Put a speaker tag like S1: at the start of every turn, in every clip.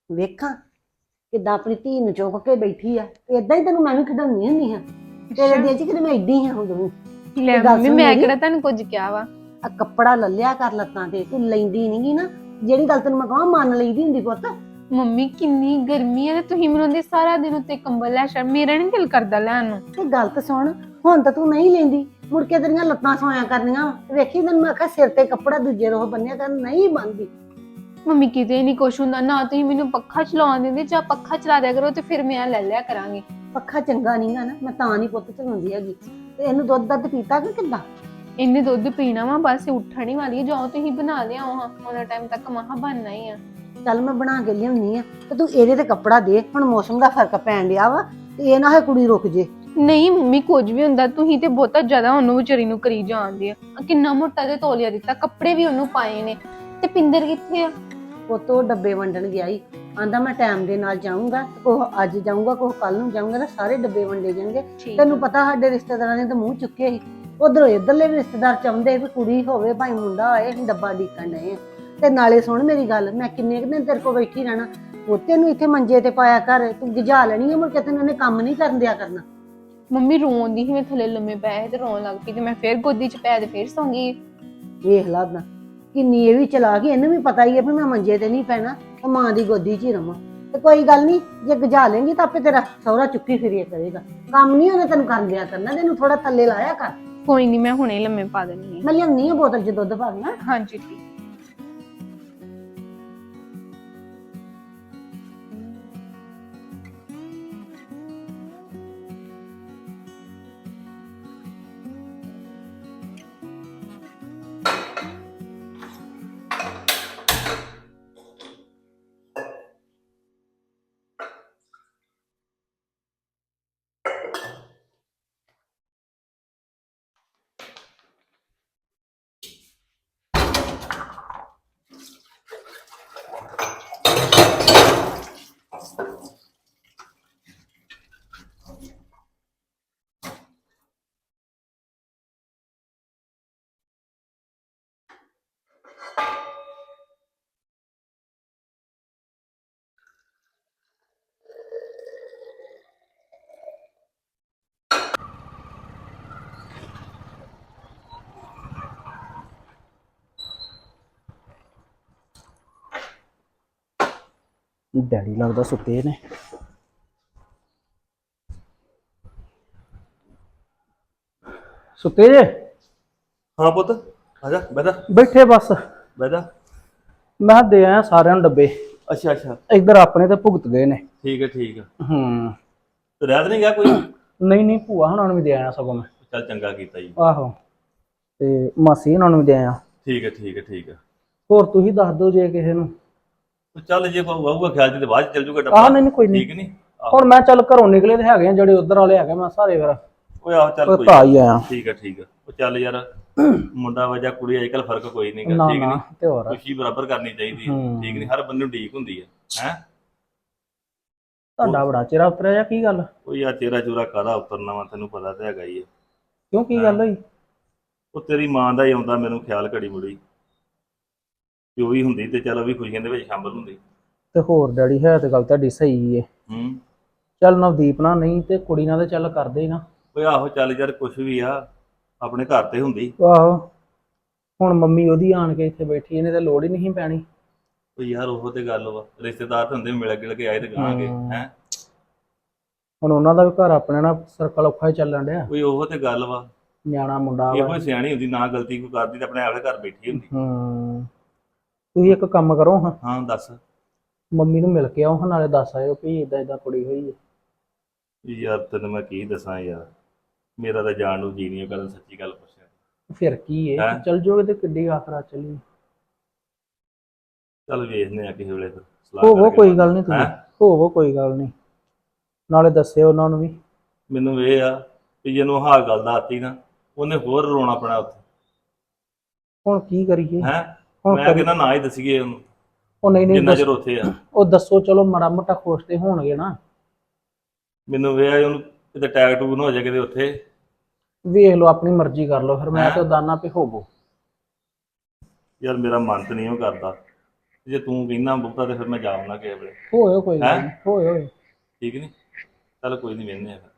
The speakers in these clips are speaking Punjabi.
S1: ਵੇਖਾਂ ਕਿੱਦਾਂ ਆਪਣੀ ਧੀ ਨੂੰ ਚੁੱਕ ਕੇ ਬੈਠੀ ਆ। ਏਦਾਂ ਹੀ ਤੈਨੂੰ ਮੈਂ ਵੀ ਖਿਡਾਉਣੀ ਹੁੰਦੀ ਹਾਂ। ਤੇਰੇ ਦਿਲ 'ਚ ਕਿਤੇ ਮੈਂ ਏਡੀ ਹਾਂ ਹੁਣ ਵੀ।
S2: ਲੈ
S1: ਤੇ ਗੱਲ
S2: ਮੰਮੀ
S1: ਸੁਣ
S2: ਮੈਂ
S1: ਮੇਰੀ,
S2: ਕਿਹੜਾ ਤੁਹਾਨੂੰ ਕੁਝ ਕਿਹਾ ਵਾ।
S1: ਆ ਕੱਪੜਾ ਲੱਲਿਆ ਕਰ ਲੱਤਾਂ ਤੇ, ਤੂੰ ਲੈਂਦੀ ਨਹੀਂਗੀ ਨਾ। ਜਿਹੜੀ ਗੱਲ ਤੈਨੂੰ ਮੈਂ ਕਹਾਂ ਮੰਨ ਲਈਦੀ ਹੁੰਦੀ ਪੁੱਤ।
S2: ਮੰਮੀ ਕਿੰਨੀ ਗਰਮੀ ਹੈ ਤੇ ਤੁਸੀਂ ਮੈਨੂੰ ਦੇ ਸਾਰਾ ਦਿਨ ਉੱਤੇ ਕੰਬਲ ਲੈ ਛੱਡ, ਮੇਰਾ ਨਹੀਂ ਦਿਲ ਕਰਦਾ ਲੈਣ ਨੂੰ।
S1: ਤੇ ਗੱਲ ਤਾਂ ਸੁਣ, ਹੁਣ ਤਾਂ ਤੂੰ ਨਹੀਂ ਲੈਂਦੀ, ਮੁੜ ਕੇ ਤੇਰੀਆਂ ਲੱਤਾਂ ਸੋਇਆ ਕਰਨੀਆਂ। ਵੇਖੀ ਤੈਨੂੰ ਮੈਂ ਆਖਿਆ ਸਿਰ ਤੇ ਕੱਪੜਾ ਦੂਜੇ ਰੋਹ ਬੰਨਿਆ ਕਰ, ਨਹੀਂ ਬੰਨਦੀ।
S2: ਮੰਮੀ ਕਿਤੇ ਨਹੀਂ ਕੁਛ ਹੁੰਦਾ ਨਾ, ਤੁਸੀਂ ਮੈਨੂੰ ਪੱਖਾ ਚਲਾਉਣ ਦਿੰਦੇ, ਜਾਂ ਪੱਖਾ ਚਲਾ ਦਿਆ ਕਰੋ ਤੇ ਫਿਰ ਮੈਂ ਲੈ ਲਿਆ ਕਰਾਂਗੀ।
S1: ਪੱਖਾ ਚੰਗਾ ਨਹੀਂਗਾ ਨਾ, ਮੈਂ ਤਾਂ ਨਹੀਂ ਪੁੱਤ ਚਲਾਉਂਦੀ ਹੈਗੀ। ਤੇ ਇਹਨੂੰ ਦੁੱਧ ਦੱਧ ਪੀਤਾ ਕਿ ਕਿੱਦਾਂ?
S2: ਇੰਨੇ ਦੁੱਧ ਪੀਣਾ ਵਾ, ਬਸ ਉੱਠਣ ਹੀ ਵਾਲੀ ਹੈ। ਜਾਓ ਤੁਸੀਂ ਬਣਾ ਲਿਆਓ ਹਾਂ, ਉਹਨਾਂ ਟਾਈਮ ਤੱਕ ਮਹਾ ਬਣਨਾ ਹੀ ਆ।
S1: ਚੱਲ ਮੈਂ ਬਣਾ ਕੇ ਲਿਆਉਣੀ ਆ, ਤੇ ਤੂੰ ਇਹਦੇ ਤੇ ਕੱਪੜਾ ਦੇ। ਹੁਣ ਮੌਸਮ ਦਾ ਫਰਕ ਪੈਣ ਡਿਆ ਵਾ, ਤੇ ਇਹ ਨਾ ਹੋਏ ਕੁੜੀ ਰੁਕ ਜੇ।
S2: ਨਹੀਂ ਮੰਮੀ ਕੁਝ ਵੀ ਹੁੰਦਾ, ਤੁਸੀਂ ਤੇ ਬਹੁਤਾ ਜ਼ਿਆਦਾ ਉਹਨੂੰ ਵਿਚਾਰੀ ਨੂੰ ਕਰੀ ਜਾਂਦੇ ਆ। ਕਿੰਨਾ ਮੋਟਾ ਤੇ ਤੌਲੀਆ ਦਿੱਤਾ, ਕੱਪੜੇ ਵੀ ਉਹਨੂੰ ਪਾਏ ਨੇ। ਤੇ ਪਿੰਦਰ ਕਿੱਥੇ ਆ?
S1: ਪੁੱਤ ਉਹ ਡੱਬੇ ਵੰਡਣ ਗਿਆ ਈ। ਆਂਦਾ ਮੈਂ ਟਾਈਮ ਦੇ ਨਾਲ ਜਾਊਂਗਾ, ਕੋਹ ਅੱਜ ਜਾਊਂਗਾ, ਕੋਹ ਕੱਲ ਨੂੰ ਜਾਊਂਗਾ, ਤਾਂ ਸਾਰੇ ਡੱਬੇ ਵੰਡੇ ਜਾਣਗੇ। ਤੈਨੂੰ ਪਤਾ ਸਾਡੇ ਰਿਸ਼ਤੇਦਾਰਾਂ ਨੇ ਤਾਂ ਮੂੰਹ ਚੁੱਕੇ ਸੀ। ਉਧਰੋਂ ਇੱਧਰਲੇ ਵੀ ਰਿਸ਼ਤੇਦਾਰ ਚਾਹੁੰਦੇ ਵੀ ਕੁੜੀ ਹੋਵੇ ਭਾਈ ਮੁੰਡਾ ਹੋਏ, ਅਸੀਂ ਡੱਬਾ ਡੀਕਣ ਡਏ ਆ। ਤੇ ਨਾਲੇ ਸੁਣ ਮੇਰੀ ਗੱਲ, ਮੈਂ ਕਿੰਨੇ ਕੁ ਦਿਨ ਤੇਰੇ ਕੋਲ ਬੈਠੀ ਰਹਿਣਾ। ਪੋਤੇ ਨੂੰ ਇੱਥੇ ਮੰਜੇ ਤੇ ਪਾਇਆ ਕਰ, ਤੂੰ ਗਿਜਾ ਲੈਣੀ ਆ, ਮੁੜ ਕੇ ਤੈਨੂੰ ਇਹਨੇ ਕੰਮ ਨਹੀਂ ਕਰਨ ਦਿਆ ਕਰਨਾ।
S2: ਮੰਮੀ ਰੋਣ ਦੀ ਸੀ, ਮੈਂ ਥੱਲੇ ਲੰਮੇ ਪਏ ਤੇ ਰੋਣ ਲੱਗ ਪਈ, ਤੇ ਮੈਂ ਫੇਰ ਗੋਦੀ 'ਚ ਪੈ ਤੇ ਫੇਰ ਸੌਂ ਗਈ।
S1: ਵੇਖ ਲਾ ਉਦਾਂ ਕਿੰਨੀ ਇਹ ਵੀ ਚਲਾ ਗਈ, ਇਹਨੂੰ ਵੀ ਪਤਾ ਹੀ ਹੈ ਵੀ ਮੈਂ ਮੰਜੇ ਤੇ ਨਹੀਂ ਪੈਣਾ, ਤੇ ਮਾਂ ਦੀ ਗੋਦੀ 'ਚ ਹੀ ਰਵਾਂ। ਤੇ ਕੋਈ ਗੱਲ ਨਹੀਂ, ਜੇ ਗਜਾ ਲੇਂਗੀ ਤਾਂ ਆਪੇ ਤੇਰਾ ਸਹੁਰਾ ਚੁੱਕੀ ਫਿਰਿਆ ਕਰੇਗਾ। ਕੰਮ ਨਹੀਂ ਉਹਨੇ ਤੈਨੂੰ ਕਰਨ ਦਿਆ ਕਰਨਾ, ਤੈਨੂੰ ਥੋੜਾ ਥੱਲੇ ਲਾਇਆ ਕਰ।
S2: ਕੋਈ ਨਹੀਂ, ਮੈਂ ਹੁਣੇ ਲੰਮੇ ਪਾ ਦਿੰਦੀ
S1: ਮੈਂ ਲਿਆਉਣੀ ਆ ਬੋਤਲ 'ਚ ਦੁੱਧ ਪਾ ਦੇਣਾ।
S2: ਹਾਂ। ਹਾਂਜੀ ਠੀਕ।
S3: ਡੈਡੀ ਲੱਗਦਾ ਸੁੱਤੇ ਨੇ। ਸੁੱਤੇ ਜੇ?
S4: ਹਾਂ ਪੁੱਤ, ਆ ਜਾ ਬਹਿ ਜਾ
S3: ਬੈਠੇ ਬਸ।
S4: ਬਹਿ ਜਾ।
S3: ਮੈਂ ਕਿਹਾ ਦੇ ਆਇਆ ਸਾਰਿਆਂ ਨੂੰ ਡੱਬੇ।
S4: ਅੱਛਾ ਅੱਛਾ,
S3: ਇੱਧਰ ਆਪਣੇ ਤੇ ਭੁਗਤ ਗਏ ਨੇ।
S4: ਠੀਕ ਹੈ ਠੀਕ ਹੈ।
S3: ਹੂੰ।
S4: ਤੇ ਰਹਿ ਤਾਂ ਨਹੀਂ ਗਿਆ ਕੋਈ?
S3: ਨਹੀਂ ਨਹੀਂ, ਭੂਆ ਹੁਣਾਂ ਨੂੰ ਵੀ ਦੇ ਆਇਆ ਸਗੋਂ ਮੈਂ।
S4: ਚੱਲ ਚੰਗਾ ਕੀਤਾ ਜੀ।
S3: ਆਹੋ, ਤੇ ਮਾਸੀ ਹੁਣਾਂ ਨੂੰ ਵੀ ਦੇ ਆਇਆ।
S4: ਠੀਕ ਹੈ ਠੀਕ ਹੈ ਠੀਕ ਹੈ।
S3: ਹੋਰ ਤੁਸੀਂ ਦੱਸ ਦਿਓ ਜੇ ਕਿਸੇ ਨੂੰ।
S4: ਚੱਲ ਜੇ ਕੋਈ ਆਊਗਾ ਖਿਆਲ ਚ ਤੇ ਬਾਅਦ ਚ ਚੱਲ ਜੂਗਾ
S3: ਆਹ ਨਹੀਂ ਕੋਈ ਨਹੀਂ।
S4: ਠੀਕ ਨਹੀਂ?
S3: ਹੁਣ ਮੈਂ ਚੱਲ ਘਰੋਂ ਨਿਕਲੇ ਤੇ ਹੈਗੇ ਆ ਜਿਹੜੇ ਉਧਰ ਵਾਲੇ ਹੈਗੇ, ਮੈਂ ਸਾਰੇ ਫਿਰ
S4: ਓਏ ਆਹ ਚੱਲ ਕੋਈ
S3: ਤਾਂ ਹੀ ਆਇਆ।
S4: ਠੀਕ ਹੈ ਠੀਕ ਹੈ। ਉਹ ਚੱਲ ਯਾਰ, ਮੁੰਡਾ ਵਜਾ ਕੁੜੀ ਅੱਜ ਕੱਲ ਫਰਕ ਕੋਈ ਨਹੀਂ ਗਾ।
S3: ਨਾ
S4: ਠੀਕ
S3: ਨਾ,
S4: ਨਹੀਂ?
S3: ਤੇ ਹੋਰ
S4: ਖੁਸ਼ੀ ਬਰਾਬਰ ਕਰਨੀ ਚਾਹੀਦੀ ਹੈ। ਠੀਕ ਨਹੀਂ? ਹਰ ਬੰਦੇ ਨੂੰ ਢੀਕ ਹੁੰਦੀ ਹੈ। ਹੈ
S3: ਤੁਹਾਡਾ ਬੜਾ ਚਿਹਰਾ ਉਤਰਿਆ ਜਾਂ ਕੀ ਗੱਲ?
S4: ਉਹ ਯਾਰ ਤੇਰਾ ਚੋਰਾ ਕਾਹਦਾ ਉਤਰਨਾ ਵਾ, ਤੈਨੂੰ ਪਤਾ ਤਾਂ ਹੈਗਾ ਹੀ ਹੈ।
S3: ਕਿਉਂ ਕੀ ਗੱਲ ਹੋਈ?
S4: ਉਹ ਤੇਰੀ ਮਾਂ ਦਾ ਹੀ ਆਉਂਦਾ ਮੈਨੂੰ ਖਿਆਲ ਘੜੀ ਮੁੜੀ। ਜੋ ਵੀ ਹੁੰਦੀ ਤੇ ਚਲ ਉਹ ਵੀ ਖੁਸ਼ੀਆਂ ਦੇ ਵਿੱਚ ਸ਼ਾਮਲ ਹੁੰਦੀ।
S3: ਤੇ ਹੋਰ ਡੈਡੀ, ਹੈ ਤੇ ਗੱਲ ਤੁਹਾਡੀ ਸਹੀ ਏ।
S4: ਹੂੰ।
S3: ਚੱਲ ਨਵਦੀਪ ਨਾਲ ਨਹੀਂ ਤੇ ਕੁੜੀ ਨਾਲ ਤੇ ਚੱਲ ਕਰਦੇ ਹੀ ਨਾ।
S4: ਓਏ ਆਹੋ ਚੱਲ ਯਾਰ, ਕੁਛ ਵੀ ਆ ਆਪਣੇ ਘਰ ਤੇ ਹੁੰਦੀ।
S3: ਆਹੋ, ਹੁਣ ਮੰਮੀ ਉਹਦੀ ਆਣ ਕੇ ਇੱਥੇ ਬੈਠੀ, ਇਹਨੇ ਤੇ ਲੋੜ ਹੀ ਨਹੀਂ ਪੈਣੀ।
S4: ਓ ਯਾਰ ਉਹ ਤੇ ਗੱਲ ਵਾ, ਰਿਸ਼ਤੇਦਾਰ ਤਾਂ ਹੁੰਦੇ ਮਿਲ ਗਿਲ ਕੇ ਆਏ ਤੇ ਗਾਂਗੇ। ਹੈ
S3: ਹੁਣ ਉਹਨਾਂ ਦਾ ਵੀ ਘਰ ਆਪਣੇ ਨਾਲ ਸਰਕਲ ਔਖਾ ਹੀ ਚੱਲਣ ਡਿਆ।
S4: ਕੋਈ ਉਹ ਤੇ ਗੱਲ ਵਾ,
S3: ਨਿਆਣਾ ਮੁੰਡਾ
S4: ਇਹੋ
S3: ਵਾ।
S4: ਹੀ ਸਿਆਣੀ ਹੁੰਦੀ, ਨਾ ਗਲਤੀ ਕੋਈ ਕਰਦੀ ਤੇ ਆਪਣੇ ਆਪੇ ਘਰ ਬੈਠੀ ਹੁੰਦੀ।
S3: ਤੁਸੀਂ ਇੱਕ ਕੰਮ ਕਰੋ ਹਾਂ,
S4: ਹਾਂ ਦੱਸ।
S3: ਮੰਮੀ ਨੂੰ ਮਿਲ ਕੇ ਆਓ ਹਾਂ, ਨਾਲੇ ਦੱਸ ਆਇਓ ਵੀ ਇਦਾਂ ਇਦਾਂ ਕੁੜੀ ਹੋਈ ਹੈ।
S4: ਯਾਰ ਤੈਨੂੰ ਮੈਂ ਕੀ ਦੱਸਾਂ ਯਾਰ, ਮੇਰਾ ਤਾਂ ਜਾਣ ਨੂੰ ਜੀ ਨਹੀਂ ਕਰਦਾ, ਸੱਚੀ ਗੱਲ ਪੁੱਛਿਆ।
S3: ਫਿਰ ਕੀ ਏ, ਚੱਲ ਜਾਓਗੇ ਤੇ ਕਿੱਡੀ ਆਖਰਾ ਚੱਲੀ।
S4: ਚੱਲ ਵੇਖਦੇ ਆ ਕਿਸੇ ਵੇਲੇ ਫਿਰ ਸਲਾਹ
S3: ਹੋਵੋ
S4: ਕਰਕੇ।
S3: ਕੋਈ ਗੱਲ ਨਹੀਂ, ਤੁਸੀਂ ਹੋਵੋ ਕੋਈ ਗੱਲ ਨਹੀਂ, ਨਾਲੇ ਦੱਸਿਓ ਉਹਨਾਂ ਨੂੰ ਵੀ।
S4: ਮੈਨੂੰ ਇਹ ਆ ਕਿ ਜਿਹਨੂੰ ਆਹ ਗੱਲ ਦੱਸਤੀ ਨਾ, ਉਹਨੇ ਹੋਰ ਰੋਣਾ ਪੈਣਾ ਉੱਥੇ।
S3: ਹੁਣ ਕੀ ਕਰੀਏ?
S4: ਹੈ
S3: ਹੁਣ
S4: ਮੈਂ ਕਹਿੰਦਾ ਨਾ ਹੀ ਦੱਸੀਏ ਉਹਨੂੰ,
S3: ਉਹ ਨਹੀਂ ਨਹੀਂ
S4: ਜਿੰਨਾ ਚਿਰ ਉੱਥੇ ਆ।
S3: ਉਹ ਦੱਸੋ, ਚਲੋ ਮਾੜਾ ਮੋਟਾ ਖੁਸ਼ ਤੇ ਹੋਣਗੇ ਨਾ।
S4: ਮੈਨੂੰ ਇਹ ਉਹਨੂੰ ਕਿਤੇ ਟੈਗ ਟੂਗ ਨਾ ਹੋ ਜਾਏ ਕਿਤੇ ਉੱਥੇ।
S3: ਵੇਖ ਲਓ, ਆਪਣੀ ਮਰਜ਼ੀ ਕਰ ਲਓ, ਫਿਰ ਮੈਂ ਤੇ ਦਾਨਾ ਪੇ ਹੋਵੋ।
S4: ਯਾਰ ਮੇਰਾ ਮਨ ਤੇ ਨਹੀਂ ਉਹ ਕਰਦਾ, ਜੇ ਤੂੰ ਕਹਿੰਦਾ ਬਹੁਤਾ ਤੇ ਫਿਰ ਮੈਂ ਜਾਵਣਾ ਕਿਸੇ ਵੇਲੇ।
S3: ਹੋਇਓ ਕੋਈ ਗੱਲ ਨੀ, ਹੋਇਓ।
S4: ਠੀਕ ਨਹੀਂ? ਚੱਲ ਕੋਈ ਨਹੀਂ, ਵੇਖਦੇ ਆ ਫਿਰ।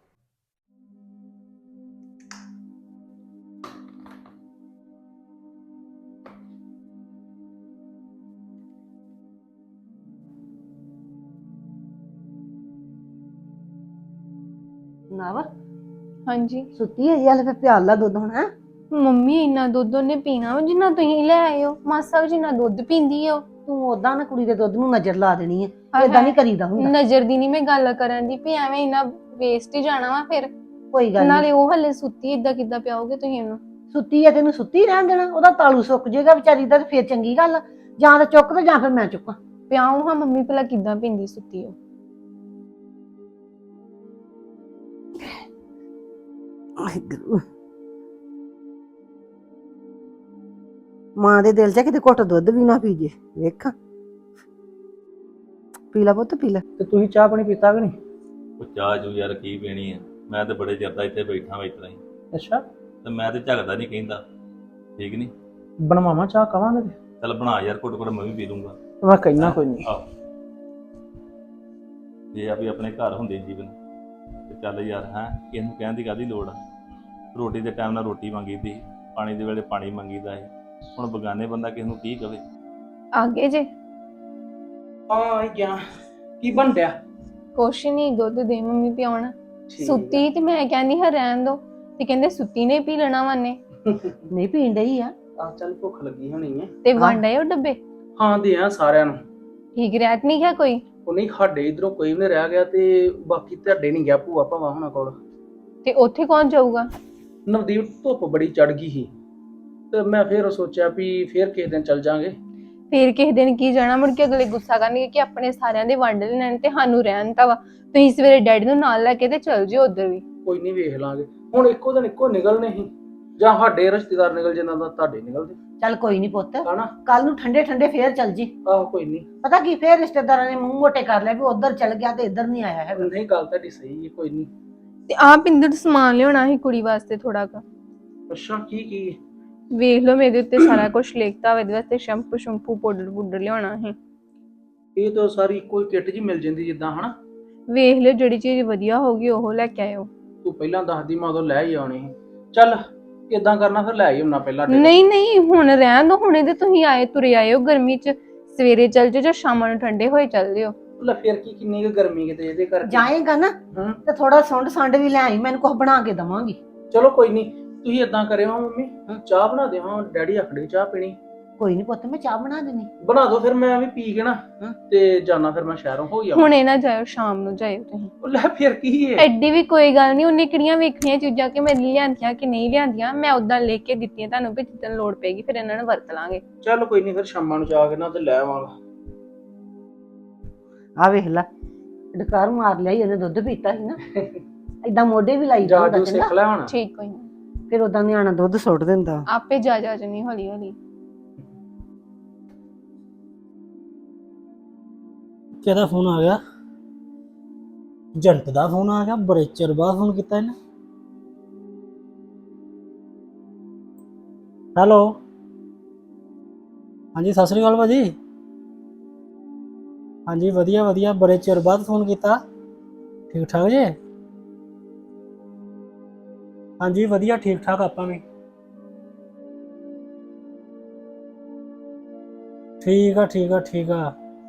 S1: ਨਾ ਵਾ
S2: ਹਾਂਜੀ
S1: ਸੁੱਤੀ ਹੈ ਯਾਰ, ਫਿਰ ਪਿਆਲ ਲਾ ਦੁੱਧ ਹੁਣ ਹੈ।
S2: ਮੰਮੀ ਇੰਨਾ ਦੁੱਧ ਉਹਨੇ ਪੀਣਾ ਵਾ ਜਿੰਨਾ ਤੁਸੀਂ ਲੈ ਆਏ ਹੋ, ਮਾਸਾ ਵੀ ਜਿੰਨਾ ਦੁੱਧ ਪੀਂਦੀ ਆ ਉਹ।
S1: ਤੂੰ ਓਦਾਂ ਨਾ ਕੁੜੀ ਦੇ ਦੁੱਧ ਨੂੰ ਨਜ਼ਰ ਲਾ ਦੇਣੀ ਹੈ, ਏਦਾਂ ਨਹੀਂ ਕਰੀਦਾ ਹੁੰਦਾ।
S2: ਨਜ਼ਰ ਦੀ ਨਹੀਂ ਮੈਂ ਗੱਲ ਕਰਨ ਦੀ ਵੀ ਐਵੇਂ ਇੰਨਾ ਵੇਸਟ ਹੀ ਜਾਣਾ ਵਾ ਫਿਰ।
S1: ਕੋਈ ਗੱਲ
S2: ਨਾਲੇ
S1: ਨਹੀਂ,
S2: ਉਹ ਹਲੇ ਸੁੱਤੀ, ਏਦਾਂ ਕਿੱਦਾਂ ਪਿਆਓਗੇ ਤੁਸੀਂ ਇਹਨੂੰ?
S1: ਸੁੱਤੀ ਹੈ ਤੈਨੂੰ ਸੁੱਤੀ ਰਹਿਣ ਦੇਣਾ, ਉਹਦਾ ਤਾਲੂ ਸੁੱਕ ਜਾਏਗਾ ਵਿਚਾਰੀ ਦਾ, ਤੇ ਫੇਰ ਚੰਗੀ ਗੱਲ ਆ। ਜਾਂ ਤਾਂ ਚੁੱਕ ਤੇ ਜਾਂ ਫਿਰ ਮੈਂ ਚੁੱਕਾਂ।
S2: ਪਿਆਉ ਹਾਂ ਮੰਮੀ, ਭਲਾ ਕਿੱਦਾਂ ਪੀਂਦੀ ਸੁੱਤੀ ਉਹ?
S1: ਵਾਹਿਗੁਰੂ। ਮਾਂ ਦੇ ਦਿਲ 'ਚ ਕਿਤੇ ਘੁੱਟ ਦੁੱਧ ਵੀ ਨਾ ਪੀ ਜੇ, ਵੇਖ ਪੀ ਲਾ ਪੁੱਤ ਪੀ ਲਾ।
S3: ਤੇ ਤੁਸੀਂ ਚਾਹ ਪਾਣੀ ਪੀਤਾ ਕਿ ਨਹੀਂ?
S4: ਉਹ ਚਾਹ ਚੂ ਯਾਰ ਕੀ ਪੀਣੀ ਆ, ਮੈਂ ਤੇ ਬੜੇ ਚਿਰ ਦਾ ਇੱਥੇ ਬੈਠਾ ਵਾ ਇਤਰਾ ਹੀ,
S3: ਅੱਛਾ,
S4: ਤੇ ਮੈਂ ਤੇ ਝਗਦਾ ਨਹੀਂ ਕਹਿੰਦਾ। ਠੀਕ ਨਹੀਂ?
S3: ਬਣਵਾਵਾਂ ਚਾਹ ਕਵਾਂਗੇ ਤੇ
S4: ਚੱਲ ਬਣਾ ਯਾਰ, ਘੁੱਟ ਘੁੱਟ ਮੈਂ ਵੀ ਪੀ ਲੂੰਗਾ।
S3: ਮੈਂ ਕਹਿਣਾ ਕੋਈ ਨਹੀਂ।
S4: ਆਹੋ, ਜੇ ਆ ਵੀ ਆਪਣੇ ਘਰ ਹੁੰਦੇ ਜੀਵਨ ਤੇ ਚੱਲ ਯਾਰ ਹੈ, ਇਹਨੂੰ ਕਹਿਣ ਦੀ ਕਾਹਦੀ ਲੋੜ ਆ। ਰੋਟੀ ਦੇ ਟਾਈਮ ਨਾਲ ਰੋਟੀ ਮੰਗੀਦੀ, ਪਾਣੀ ਦੇ ਵੇਲੇ ਪਾਣੀ ਮੰਗੀਦਾ ਹੈ। ਹੁਣ ਬਗਾਨੇ ਬੰਦਾ ਕਿਸ ਨੂੰ ਕੀ ਕਵੇ।
S2: ਆਗੇ ਜੇ
S3: ਹਾਂ ਗਿਆ ਕੀ ਬਣ ਰਿਹਾ?
S2: ਕੁਛ ਨਹੀਂ, ਦੁੱਧ ਦੇ ਮੰਮੀ ਪਿਆਉਣਾ। ਸੁੱਤੀ ਤੇ ਮੈਂ ਕਹਿੰਦੀ ਹਾਂ ਰਹਿਣ ਦੋ, ਤੇ ਕਹਿੰਦੇ ਸੁੱਤੀ ਨੇ ਪੀ ਲੈਣਾ ਵਾਨੇ।
S1: ਨਹੀਂ ਪੀਣ ਡਈ ਆ।
S3: ਆ ਚੱਲ ਭੁੱਖ ਲੱਗੀ ਹੋਣੀ ਹੈ।
S2: ਤੇ ਵੰਡ ਆਏ ਉਹ ਡੱਬੇ?
S3: ਹਾਂ ਦੇ ਆ ਸਾਰਿਆਂ ਨੂੰ।
S2: ਠੀਕ ਰਹਿਤ ਨਹੀਂ ਗਿਆ ਕੋਈ?
S3: ਉਹ ਨਹੀਂ, ਸਾਡੇ ਇਧਰੋਂ ਕੋਈ ਵੀ ਨਹੀਂ ਰਹਿ ਗਿਆ, ਤੇ ਬਾਕੀ ਤੁਹਾਡੇ ਨਹੀਂ ਗਿਆ ਭੂਆ ਭਾਵਾ ਹੁਣਾਂ ਕੋਲ।
S2: ਤੇ ਉੱਥੇ ਕੌਣ ਜਾਊਗਾ?
S3: ਨਵਦੀਪ ਧੁੱਪ ਬੜੀ ਚੜ ਗਈ ਸੀ, ਤੇ ਮੈਂ ਫੇਰ ਸੋਚਿਆ ਵੀ ਫੇਰ ਕਿਸੇ ਦਿਨ ਚੱਲ ਜਾਾਂਗੇ।
S2: ਫੇਰ ਕਿਸੇ ਦਿਨ ਕੀ ਜਾਣਾ, ਮੁੜ ਕੇ ਅਗਲੇ ਗੁੱਸਾ ਕਰਨਗੇ ਕਿ ਆਪਣੇ ਸਾਰਿਆਂ ਦੇ ਵੰਡ ਲੈਣ ਤੇ ਸਾਨੂੰ ਰਹਿਣ ਤਾ ਵਾ। ਤੁਸੀਂ ਸਵੇਰੇ ਡੈਡੀ ਨੂੰ ਨਾਲ ਲੈ ਕੇ ਤੇ ਚੱਲ ਜਿਓ ਉਧਰ ਵੀ।
S3: ਕੋਈ ਨਹੀਂ ਵੇਖ ਲਾਂਗੇ, ਹੁਣ ਇੱਕੋ ਦਿਨ ਇੱਕੋ ਨਿਕਲਨੇ ਸੀ, ਜਾਂ ਸਾਡੇ ਰਿਸ਼ਤੇਦਾਰ ਨਿਕਲ ਜਿੰਨਾਂ ਦਾ ਤੁਹਾਡੇ ਨਿਕਲਦੇ।
S1: ਚੱਲ ਕੋਈ ਨਹੀਂ ਪੁੱਤ,
S3: ਹਨਾ?
S1: ਕੱਲ ਨੂੰ ਠੰਡੇ ਠੰਡੇ ਫੇਰ ਚੱਲ ਜੀ।
S3: ਆਹੋ ਕੋਈ ਨਹੀਂ।
S1: ਪਤਾ ਕੀ, ਫੇਰ ਰਿਸ਼ਤੇਦਾਰਾਂ ਨੇ ਮੂੰਹ ਮੋਟੇ ਕਰ ਲਿਆ ਵੀ ਉਧਰ ਚੱਲ ਗਿਆ ਤੇ ਇੱਧਰ ਨਹੀਂ ਆਇਆ ਹੈਗਾ।
S3: ਨਹੀਂ, ਗੱਲ ਤੁਹਾਡੀ ਸਹੀ ਹੈ, ਕੋਈ ਨਹੀਂ।
S2: ਤੇ ਆਹ ਪਿੰਦਰ ਸਮਾਨ ਲਿਆਉਣਾ ਸੀ ਕੁੜੀ ਵਾਸਤੇ ਥੋੜਾ ਕੁ।
S3: ਅੱਛਾ, ਕੀ
S2: ਵੇਖ ਲਓ ਮੇਰੇ ਉੱਤੇ ਸਾਰਾ ਕੁਝ ਲਿਖਤਾ ਵਾ, ਇਹਦੇ ਵਾਸਤੇ ਸ਼ੈਂਪੂ ਸ਼ੈਂਪੂ ਪਾਊਡਰ ਲਿਆਉਣਾ ਸੀ।
S3: ਇਹ ਤਾਂ ਸਾਰੀ ਇੱਕੋ ਹੀ ਕਿੱਟ ਜੀ ਮਿਲ ਜਾਂਦੀ ਜਿੱਦਾਂ, ਹਨਾ?
S2: ਵੇਖ ਲਿਓ ਜਿਹੜੀ ਚੀਜ਼ ਵਧੀਆ ਹੋਗੀ ਉਹ ਲੈ ਕੇ ਆਇਓ।
S3: ਤੂੰ ਪਹਿਲਾਂ ਦੱਸਦੀ ਮੈਂ ਉਦੋਂ ਲੈ ਹੀ ਆਉਣੀ ਸੀ। ਚੱਲ ਇਦਾਂ ਕਰਨਾ, ਫਿਰ ਲੈ ਹੀ ਆਉਣਾ ਪਹਿਲਾਂ।
S2: ਨਹੀਂ ਨਹੀਂ, ਹੁਣ ਰਹਿਣ ਦੋ, ਹੁਣੇ ਤੇ ਤੁਸੀਂ ਆਏ ਤੁਰੇ ਆਏ ਹੋ ਗਰਮੀ 'ਚ। ਸਵੇਰੇ ਚੱਲ ਜਿਓ ਜਾਂ ਸ਼ਾਮਾਂ ਨੂੰ ਠੰਡੇ ਹੋਏ ਚੱਲ ਜਿਓ।
S3: ਲੈ ਫਿਰ ਕੀ, ਕਿੰਨੀ ਕੁ ਗਰਮੀ ਕਿਤੇ ਇਹਦੇ ਕਰਕੇ।
S1: ਜਾਏਗਾ ਨਾ
S3: ਹੂੰ।
S1: ਤੇ ਥੋੜਾ ਸੁੰਡ ਸੰਡ ਵੀ ਲੈ ਆਈ, ਮੈਨੂੰ ਕੁਝ ਬਣਾ ਕੇ ਦਵਾਂਗੀ।
S3: ਚਲੋ ਕੋਈ ਨਹੀਂ, ਤੁਸੀਂ ਇਦਾਂ ਕਰਿਓ ਮੰਮੀ, ਚਾਹ ਬਣਾ ਦਿਓ। ਹਾਂ ਡੈਡੀ ਆਖੜੇ ਚਾਹ ਪੀਣੀ।
S1: ਕੋਈ ਨਹੀਂ ਪੁੱਤ, ਮੈਂ ਚਾਹ ਬਣਾ ਦੇਣੀ।
S3: ਬਣਾ ਦਿਓ, ਫਿਰ ਮੈਂ ਵੀ ਪੀ ਕੇ ਨਾ ਤੇ ਜਾਣਾ, ਫਿਰ ਮੈਂ ਸ਼ਹਿਰੋਂ ਹੋ ਗਿਆ।
S2: ਹੁਣੇ ਨਾ ਜਾਇਓ, ਸ਼ਾਮ ਨੂੰ ਜਾਇਓ ਤੁਸੀਂ।
S3: ਲੈ ਫਿਰ ਕੀ ਹੈ,
S2: ਐਡੀ ਵੀ ਕੋਈ ਗੱਲ ਨਹੀਂ, ਉਹਨੇ ਕਿਹੜੀਆਂ ਵੇਖਣੀਆਂ ਚੀਜ਼ਾਂ ਕਿ ਮੇਰੇ ਲਈ ਲਿਆਂਦੀਆਂ ਕਿ ਨਹੀਂ ਲਿਆਂਦੀਆਂ। ਮੈਂ ਉਦਾਂ ਲਿਖ ਕੇ ਦਿੱਤੀਆਂ ਤੁਹਾਨੂੰ ਵੀ ਜਿੱਦਣ ਲੋੜ ਪੈਗੀ ਫਿਰ ਇਹਨਾਂ ਨੂੰ ਵਰਤ ਲਾਂਗੇ।
S3: ਚੱਲ ਕੋਈ ਨਹੀਂ, ਫਿਰ ਸ਼ਾਮਾਂ ਨੂੰ ਜਾ ਕੇ ਨਾ ਤੇ ਲੈ ਆਵਾਂਗਾ।
S1: ਆ ਵੇਖ ਲੈ, ਡਕਾਰ ਮਾਰ ਲਿਆ ਇਹਨੇ, ਦੁੱਧ ਪੀਤਾ ਸੀ ਨਾ। ਏਦਾਂ ਮੋਢੇ ਵੀ ਲਾਈ
S3: ਜਾ
S1: ਜਾਂਦਾ
S3: ਜੋ ਸਿੱਖ ਲੈ ਹੁਣ।
S2: ਠੀਕ, ਕੋਈ ਨਹੀਂ,
S1: ਫਿਰ ਉਦਾਂ ਨਿਆਣਾ ਦੁੱਧ ਸੁੱਟ ਦਿੰਦਾ।
S2: ਆਪੇ ਜਾ ਜਣੀ ਹੌਲੀ ਹੌਲੀ।
S5: ਕਿਹਦਾ ਫੋਨ ਆ ਗਿਆ? ਏਜੰਟ ਦਾ ਫੋਨ ਆ ਗਿਆ, ਬੜੇ ਚਿਰ ਬਾਅਦ ਫੋਨ ਕੀਤਾ ਇਹਨੇ। ਹੈਲੋ, ਹਾਂਜੀ ਸਤਿ ਸ੍ਰੀ ਅਕਾਲ ਭਾਜੀ। ਹਾਂਜੀ ਵਧੀਆ ਵਧੀਆ, ਬੜੇ ਚਿਰ ਬਾਅਦ ਫੋਨ ਕੀਤਾ। ਠੀਕ ਠਾਕ ਜੀ? ਹਾਂਜੀ ਵਧੀਆ, ਠੀਕ ਠਾਕ ਆਪਾਂ ਵੀ। ਠੀਕ ਆ ਠੀਕ ਆ ਠੀਕ ਆ।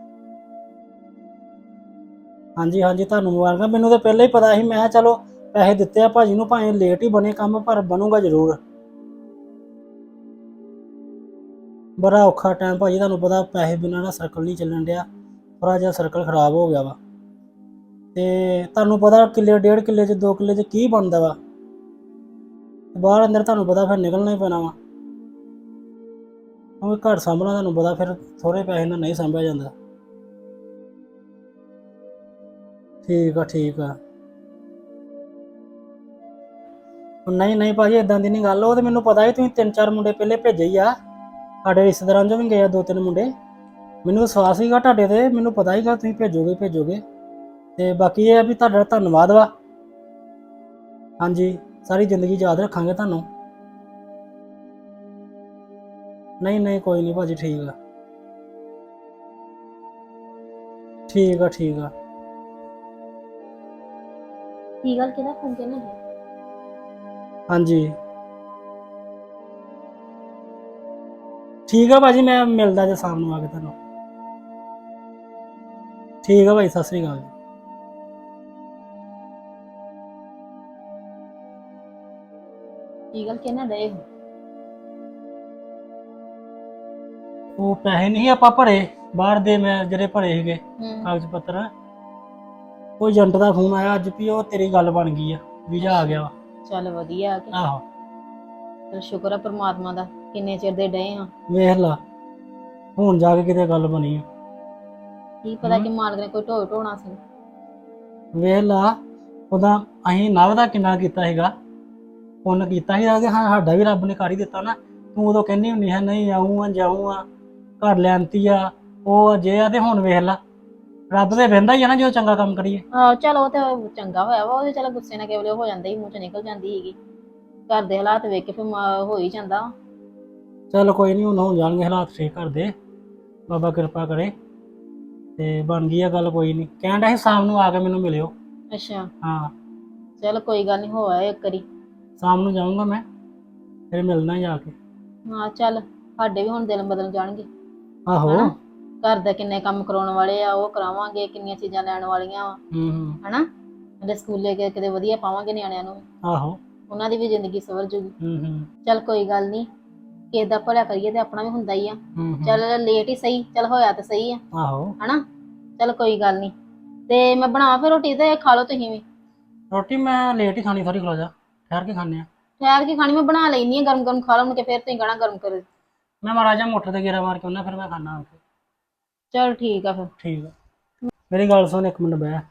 S5: ਹਾਂਜੀ ਹਾਂਜੀ, ਤੁਹਾਨੂੰ ਮੁਬਾਰਕਾਂ। ਮੈਨੂੰ ਤਾਂ ਪਹਿਲਾਂ ਹੀ ਪਤਾ ਸੀ, ਮੈਂ ਕਿਹਾ ਚਲੋ ਪੈਸੇ ਦਿੱਤੇ ਆ ਭਾਜੀ ਨੂੰ, ਭਾਵੇਂ ਲੇਟ ਹੀ ਬਣੇ ਕੰਮ, ਪਰ ਬਣੂਗਾ ਜ਼ਰੂਰ। ਬੜਾ ਔਖਾ ਟਾਈਮ ਭਾਜੀ, ਤੁਹਾਨੂੰ ਪਤਾ ਪੈਸੇ ਬਿਨਾਂ ਨਾ ਸਰਕਲ ਨਹੀਂ ਚੱਲਣ ਡਿਆ, ਥੋੜਾ ਜਿਹਾ ਸਰਕਲ ਖਰਾਬ ਹੋ ਗਿਆ ਵਾ। ਤੇ ਤੁਹਾਨੂੰ ਪਤਾ ਕਿੱਲੇ 1.5 ਕਿੱਲੇ 'ਚ 2 ਕਿੱਲੇ 'ਚ ਕੀ ਬਣਦਾ ਵਾ, ਬਾਹਰ ਅੰਦਰ ਤੁਹਾਨੂੰ ਪਤਾ ਫਿਰ ਨਿਕਲਣਾ ਹੀ ਪੈਣਾ ਵਾ। ਕਿਉਂਕਿ ਘਰ ਸਾਂਭਣਾ ਤੁਹਾਨੂੰ ਪਤਾ ਫਿਰ ਥੋੜੇ ਪੈਸੇ ਨਾਲ ਨਹੀਂ ਸਾਂਭਿਆ ਜਾਂਦਾ। ਠੀਕ ਆ ਠੀਕ ਆ। ਨਹੀਂ ਨਹੀਂ ਭਾਜੀ, ਇਦਾਂ ਦੀ ਨਹੀਂ ਗੱਲ। ਉਹ ਤੇ ਮੈਨੂੰ ਪਤਾ ਹੀ, ਤੁਸੀਂ 3-4 ਮੁੰਡੇ ਪਹਿਲੇ ਭੇਜੇ ਹੀ ਆ, ਸਾਡੇ ਰਿਸ਼ਤੇਦਾਰਾਂ 'ਚੋਂ ਵੀ ਗਏ ਆ 2-3 ਮੁੰਡੇ। ਮੈਨੂੰ ਵਿਸ਼ਵਾਸ ਸੀਗਾ ਤੁਹਾਡੇ ਤੇ, ਮੈਨੂੰ ਪਤਾ ਹੀਗਾ ਤੁਸੀਂ ਭੇਜੋਗੇ। ਤੇ ਬਾਕੀ ਇਹ ਆ ਵੀ ਤੁਹਾਡਾ ਧੰਨਵਾਦ ਵਾ। ਹਾਂਜੀ, ਸਾਰੀ ਜ਼ਿੰਦਗੀ ਯਾਦ ਰੱਖਾਂਗੇ ਤੁਹਾਨੂੰ। ਨਹੀਂ ਨਹੀਂ ਕੋਈ ਨਹੀਂ ਭਾਜੀ, ਠੀਕ ਆ। ਠੀਕ ਆ ਠੀਕ ਆ।
S2: ਕੀ ਗੱਲ ਕਿਹਦਾ ਫੋਨ ਕਿਹਨੇ
S5: ਹਾਂਜੀ ਠੀਕ ਆ ਭਾਜੀ, ਮੈਂ ਮਿਲਦਾ ਜੇ ਸ਼ਾਮ ਨੂੰ ਆ ਕੇ ਤੁਹਾਨੂੰ। ਠੀਕ ਆ ਭਾਈ, ਸਤਿ ਸ੍ਰੀ ਅਕਾਲ ਜੀ।
S2: ਕੀ ਗੱਲ ਕਿਹਨੇ ਡੇ
S5: ਉਹ ਪੈਸੇ ਨਹੀਂ ਆਪਾਂ ਭਰੇ ਬਾਹਰ ਦੇ, ਮੈਂ ਜਿਹੜੇ ਭਰੇ ਸੀਗੇ ਕਾਗਜ਼ ਪੱਤਰ, ਉਹ ਏਜੰਟ ਦਾ ਫੋਨ ਆਇਆ ਅੱਜ ਵੀ ਉਹ ਤੇਰੀ ਗੱਲ ਬਣ ਗਈ ਆ, ਵੀਜ਼ਾ ਆ ਗਿਆ ਵਾ।
S2: ਚੱਲ ਵਧੀਆ ਕਿ
S5: ਆਹੋ
S2: ਚਲ ਸ਼ੁਕਰ ਆ ਪ੍ਰਮਾਤਮਾ ਦਾ, ਕਿੰਨੇ ਚਿਰ ਦੇ ਡਏ ਆ।
S5: ਵੇਖ ਲਾ ਹੁਣ ਜਾ ਕੇ ਕਿਤੇ ਗੱਲ ਬਣੀ ਆ।
S2: ਕੀ ਪਤਾ ਕਿ ਮਾਲਕ ਨੇ ਕੋਈ ਢੋਣਾ ਸੀ।
S5: ਵੇਖ ਲਾ ਉਹਦਾ ਅਸੀਂ ਨਵ ਦਾ ਕਿੰਨਾ ਕੀਤਾ ਸੀਗਾ, ਉਹਨੇ ਕੀਤਾ ਸੀਗਾ ਕਿ ਹਾਂ ਸਾਡਾ ਵੀ ਰੱਬ ਨੇ ਕਰ ਹੀ ਦਿੱਤਾ ਨਾ। ਤੂੰ ਉਦੋਂ ਕਹਿੰਦੀ ਹੁੰਦੀ ਹੈ ਨਹੀਂ ਆਊਂ ਆ ਜਾਊਂ ਆ, ਘਰ ਲਿਆਂਤੀ ਆ, ਉਹ ਜੇ ਆ, ਤੇ ਹੁਣ ਵੇਖ ਲਾ ਰੱਬ ਤੇ ਵਹਿੰਦਾ ਹੀ ਆ ਨਾ ਜੋ ਚੰਗਾ ਕੰਮ ਕਰੀਏ।
S2: ਆਹੋ ਚਲ ਉਹ ਤੇ ਚੰਗਾ ਹੋਇਆ ਵਾ, ਉਹਦੇ ਚਲ ਗੁੱਸੇ ਨਾਲ ਕੇਵਲੇ ਹੋ ਜਾਂਦਾ ਹੀ, ਮੂੰਹ ਚ ਨਿਕਲ ਜਾਂਦੀ ਸੀਗੀ। ਘਰ ਦੇ ਹਾਲਾਤ ਵੇਖ ਕੇ ਫਿਰ ਹੋ ਹੀ ਜਾਂਦਾ।
S5: ਚੱਲ ਕੋਈ ਨਹੀਂ, ਹੁਣ ਹੋ ਜਾਣਗੇ ਹਾਲਾਤ ਠੀਕ ਕਰ ਦੇ, ਬਾਬਾ ਕਿਰਪਾ ਕਰੇ ਤੇ ਬਣ ਗਈ ਆ ਗੱਲ। ਕੋਈ ਨਹੀਂ ਕਹਿਣ ਡਿਆ ਸੀ ਸ਼ਾਮ ਨੂੰ ਆ ਕੇ ਮੈਨੂੰ ਮਿਲਿਓ।
S2: ਅੱਛਾ
S5: ਹਾਂ
S2: ਚਲ ਕੋਈ ਗੱਲ ਨਹੀਂ, ਹੋ ਆਇਆ ਇੱਕ ਵਾਰੀ।
S5: ਸ਼ਾਮ ਨੂੰ ਜਾਊਂਗਾ ਮੈਂ, ਫਿਰ ਮਿਲਣਾ ਜਾ ਕੇ।
S2: ਹਾਂ ਚੱਲ ਸਾਡੇ ਵੀ ਹੁਣ ਦਿਲ ਬਦਲ ਜਾਣਗੇ।
S5: ਆਹੋ
S2: ਹਨਾ? ਘਰ ਦਾ ਕਿੰਨੇ ਕੰਮ ਕਰਾਉਣ ਵਾਲੇ ਆ, ਉਹ ਕਰਾਵਾਂਗੇ, ਕਿੰਨੀਆਂ ਚੀਜ਼ਾਂ ਲੈਣ ਵਾਲੀਆਂ ਵਾ ਹਨਾ। ਇਹਦੇ ਸਕੂਲੇ ਕਿਤੇ ਵਧੀਆ ਪਾਵਾਂਗੇ ਨਿਆਣਿਆਂ ਨੂੰ,
S5: ਆਹੋ
S2: ਉਹਨਾਂ ਦੀ ਵੀ ਜ਼ਿੰਦਗੀ ਸਵਰ ਜੂਗੀ। ਚੱਲ ਕੋਈ ਗੱਲ ਨਹੀਂ, ਕਿਸੇ ਦਾ ਭਲਾ ਕਰੀਏ ਤੇ ਆਪਣਾ ਵੀ ਹੁੰਦਾ ਹੀ ਆ। ਚੱਲ ਲੇਟ ਹੀ ਸਹੀ, ਚੱਲ ਹੋਇਆ ਤਾਂ ਸਹੀ ਆ
S5: ਆਹੋ
S2: ਹਨਾ। ਚੱਲ ਕੋਈ ਗੱਲ ਨਹੀਂ, ਤੇ ਮੈਂ ਬਣਾ ਫਿਰ ਰੋਟੀ ਤੇ ਖਾ ਲਓ ਤੁਸੀਂ ਵੀ।
S5: ਰੋਟੀ ਮੈਂ ਲੇਟ ਹੀ ਖਾਣੀ, ਸਾਰੀ ਖਲੋ ਜਾ, ਠਹਿਰ ਕੇ ਖਾਣੇ ਆ।
S2: ਠਹਿਰ ਕੇ ਖਾਣੀ ਮੈਂ ਬਣਾ ਲੈਣੀ ਆ, ਗਰਮ ਗਰਮ ਖਾ ਲਵਾਂਗੇ, ਫਿਰ ਤੁਸੀਂ ਕਹਿਣਾ ਗਰਮ ਕਰੋ।
S5: ਮੈਂ ਮਹਾਰਾਜਾ ਮੋਟਰ ਤੇ ਗੇੜਾ ਮਾਰ ਕੇ ਆਉਣਾ, ਫਿਰ ਮੈਂ ਖਾਣਾ ਆ ਕੇ।
S2: ਚਲ ਠੀਕ ਆ ਫਿਰ।
S5: ਠੀਕ ਆ ਮੇਰੀ ਗੱਲ ਸੁਣ, ਇੱਕ ਮਿੰਟ ਬਹਿ,